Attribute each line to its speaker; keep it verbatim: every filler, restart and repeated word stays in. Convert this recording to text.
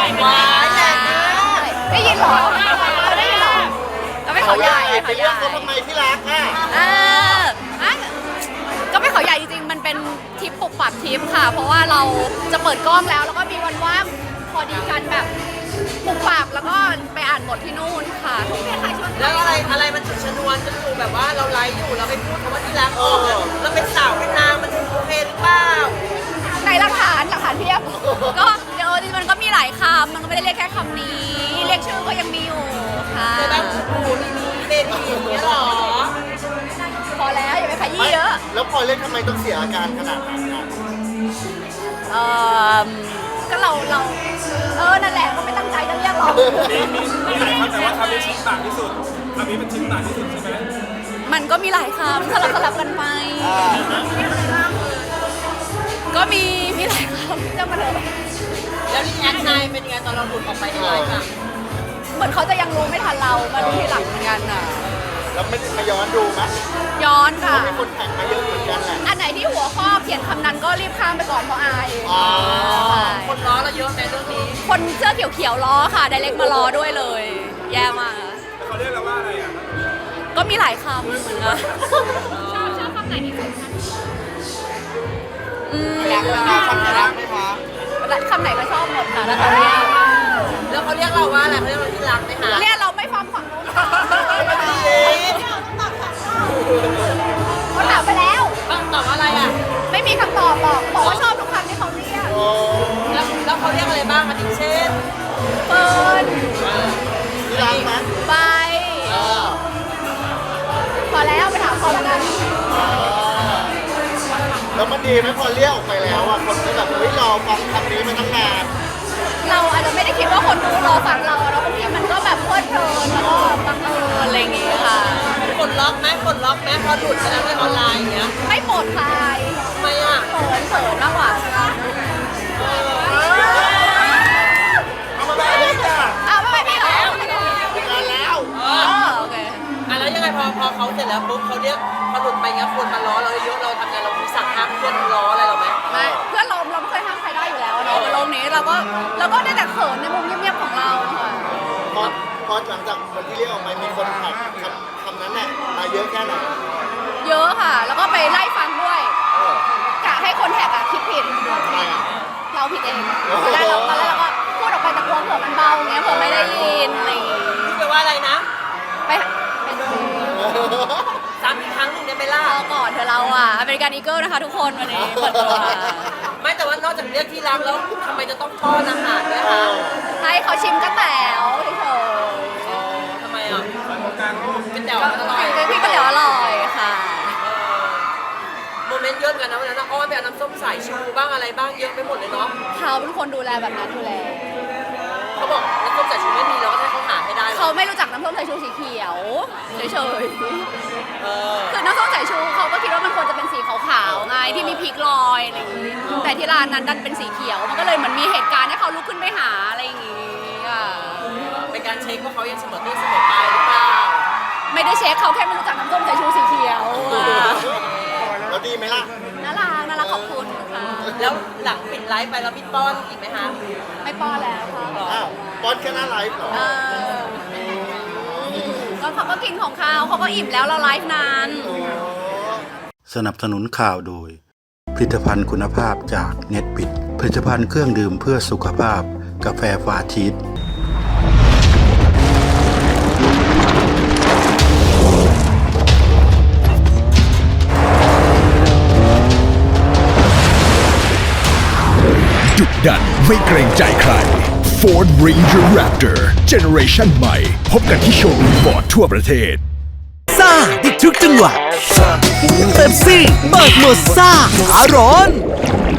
Speaker 1: ว้ายแรงนะได้ยินเหรอได้ยินเหรอก็ไม่เขาใหญ่ไปเรียกเขาทำไมที่รักอ่ะเอออ่ะก็ไม่เขาใหญ่จริงๆมันเป็นทริปปุบปับทริปค่ะเพราะว่าเราจะเปิดกล้องแล้วแล้วก็มีวันว่างพอดีกันแบบปุบปับแล้วก็ไปอ่านบทที่นู่นค่ะ
Speaker 2: แล้วอะไรอะไรมันถึงชนวนจนดูแบบว่าเราไลฟ์อยู่เราไปพูดคำว่าที่รักออกแล้วเป็นสาวเป็นนางมันโอเคหรือเปล่า
Speaker 1: ในหลักฐานหลักฐานเพียบก็เดี๋ยวจริงๆมันก็มีหลายคำมันก็ไม่ได้เรียกแค่คำนี้เรียกชื่อก็ยังมีอยู่ค่ะ
Speaker 2: คือแบบหูนี่นี่เบบี้อย่างเงี้ยหรอ
Speaker 1: พอแล้วอย่าไปขยี้เยอะ
Speaker 3: แล้วพอเล่นทำไมต้องเสียอาการขนาดนั้นอ่ะ
Speaker 1: เออก็เราเราเออนั่นแหละก็ไม่ตั้งใจจะเรียกหรอก
Speaker 4: มีหลายคำแต่ว่าคำนี้ชิ้นต่างที่สุดคำนี้มันชิ้นต่างที่สุดใช่ไหม
Speaker 1: มันก็มีหลายคำสลับสลับกันไปก็มีมีหลายคำจะมาเลย
Speaker 2: แล้วรีแอคไนเป็นยังไงตอนเราหลุดออกไปในไลฟ์อ่ะ
Speaker 1: เหมือนเขาจะยังรู้ไม่ทันเรามารู้ทีหลังเหมือนกันอ่ะ
Speaker 3: แล้วไม่มาย้อนดูมั้ย
Speaker 1: ย้อนค่ะ
Speaker 3: มีคนแข่งมาเยอะเหมือนกันแหละ
Speaker 1: อันไหนที่หัวข้อเขียนคำนั้นก็รีบข้ามไปก่อนเพราะอาย
Speaker 2: คนล้อเราเยอะในเรื่องนี้
Speaker 1: คนเสื้อเขียวๆล้อค่ะไดเรกมาล้อด้วยเลยแย่มาก
Speaker 4: เขาเรียกเราว่าอะไรอ่ะ
Speaker 1: ก็มีหลายคำเหมือนกันชอบชอบคำไหนที่สุดคะอืม
Speaker 3: รักไหมคะคำรักไหมคะ
Speaker 1: คำไหนก็ชอบหมดค่ะแล้วตอนนี้
Speaker 2: แล้วเขาเรียกเราว่าอะไรเขาเรียกเราที่รักไหมคะ
Speaker 1: เรียกเราไม่ฟังฝั่งนู้นเขาถามไปแล้ว
Speaker 2: ตอบอะไรอ่ะ
Speaker 1: ไม่มีคำตอบบอกบอกว่าชอบทุกคำที่เขาเรียก
Speaker 2: แล้วแล้วเขาเรียกอะไรบ้างอาทิเช่น
Speaker 1: เฟิร์น
Speaker 3: ที่รักไหม
Speaker 1: ใบพอแล้วไปถามเขาแล้วกัน
Speaker 3: แล้วมันดีไหมพอเรียกออกไปแล้วอ่ะคนก็แบบเฮ้ยรอฟังคำนี้มาตั้งนาน
Speaker 1: เราอาจจะไม่ได้คิดว่าคนดูรอฟังเราแล้วบางทีมันก็แบบเพลิดเพลินแล้วก็บังเอิญอะไรอย่างเงี้ยค่ะ
Speaker 2: กดล็อกไหมกดล็อกไหมพอหลุดไปแล้วในออนไลน์อย่างเงี้ย
Speaker 1: ไม่ปลดคลาย
Speaker 2: ทำไมอ่ะ
Speaker 1: เขินเขินมากกว่า
Speaker 3: เอามาแบบนี้จ้ะ
Speaker 1: อ้าวไม่ไปพี่เหรอ
Speaker 3: งานแล้ว
Speaker 1: อ๋อโอเค
Speaker 2: อ่ะแล้วยังไงพอพอเขาเสร็จแล้วปุ๊บเขาเรียกพอหลุดไปเงี้ยคนมาล้อเราเยอะเราทำไงเรามีสั่งห้ามเพื่อนล้ออะไรเราไหม
Speaker 1: ไม่เพื่อนเราเราไม่เคยห้ามใครได้อยู่แล้วเนาะโลกนี้เราก็เราก็ได้แต่เขินในมุมเงียบๆของเราค่ะ
Speaker 3: พอพอหลังจากคนที่เรียกออกไปมีคนแท็กคำคำนั้นเนี่ยมาเยอะแค่ไหน
Speaker 1: เยอะค่ะแล้วก็ไปไล่ฟังด้วยกะให้คนแท็กอะคิดผิดเราผิดเองแล้วเราตอนแรกเราก็พูดออกไปแต่กลัวเผื่อมันเบาเงี้ยเผื่อไม่ได้ยินอะไรอย่างงี้
Speaker 2: แปลว่าอะไรนะ
Speaker 1: ไปไป
Speaker 2: ซ้ำอีกครั้งหนึ่งได้ไหมล่ะ
Speaker 1: ก่อนเธอเราอ่ะอเมริกันอีเกิลนะคะทุกคนวันนี้เปิดตัว
Speaker 2: ไม่แต่ว่านอกจากเรียกที่รักแล้วทำไมจะต้องป้อนอาหารด้วยคะ
Speaker 1: ให้เขาชิมกระแต๋วเฉย
Speaker 2: ๆทำไมอ่ะเป็นแต๋วอร่อย
Speaker 1: พี่ก็เดี๋ยวอร่อยค่ะ
Speaker 2: โมเมนต์เยอะกันนะวันนั้นอ้อนไปเอาน้ำส้มสายชูบ้างอะไรบ้างเยอะไปหมดเลยเนาะ
Speaker 1: เขาเป็นคนดูแลแบบนั้นอยู่แล้ว
Speaker 2: เขาบอกน้ำส้มสายชูไม่มีแล้วก็ให้เขาหาให้ได้
Speaker 1: เขาไม่รู้จักน้ำส้มสายชูสีเขียวเฉยๆคือน้ำส้มสายชูเขาก็คิดว่ามันควรจะเป็นสีขาวๆไงที่มีพริกลอยอะไรอย่างงี้แต่ที่ร้านนั้นดันเป็นสีเขียวมันก็เลยเหมือนมีเหตุการณ์ให้เขาลุกขึ้นไปหาอะไรอย่างงี้อ่ะ
Speaker 2: เป็นการเช็คว่าเขายังเสมอต้นเสมอปลายหรือเปล่า
Speaker 1: ไม่ได้เช็คเขาแค่ไม่รู้จักน้ำส้มสายชูสีเขียว
Speaker 3: แล้วดีไหมล่ะ
Speaker 1: น่ารักน่ารักขอบคุณค่ะ
Speaker 2: แล้วหลังปิดไลฟ์ไปแล้วมีป้อนอีกไหมคะ
Speaker 1: ไม่ป้อนแล้วค่ะ
Speaker 3: อ้าวป้อนแค่หน้าไลฟ์เหรอ
Speaker 1: ก็เขาก็กินของเขาเขาก็อิ่มแล้วเราไลฟ์นาน
Speaker 5: สนับสนุนข่าวโดยผลิตภัณฑ์คุณภาพจากเน็ตบิดผลิตภัณฑ์เครื่องดื่มเพื่อสุขภาพกาแฟฟาชีส
Speaker 6: ดุดันไม่เกรงใจใคร Ford Ranger Raptor Generation ใหม่พบกันที่โชว์รูมฟอร์ดทั่วประเทศ
Speaker 7: ซ่าดิทุกจังหวะเป๊ปซี่เปิดโหมดซ่าขาร้อน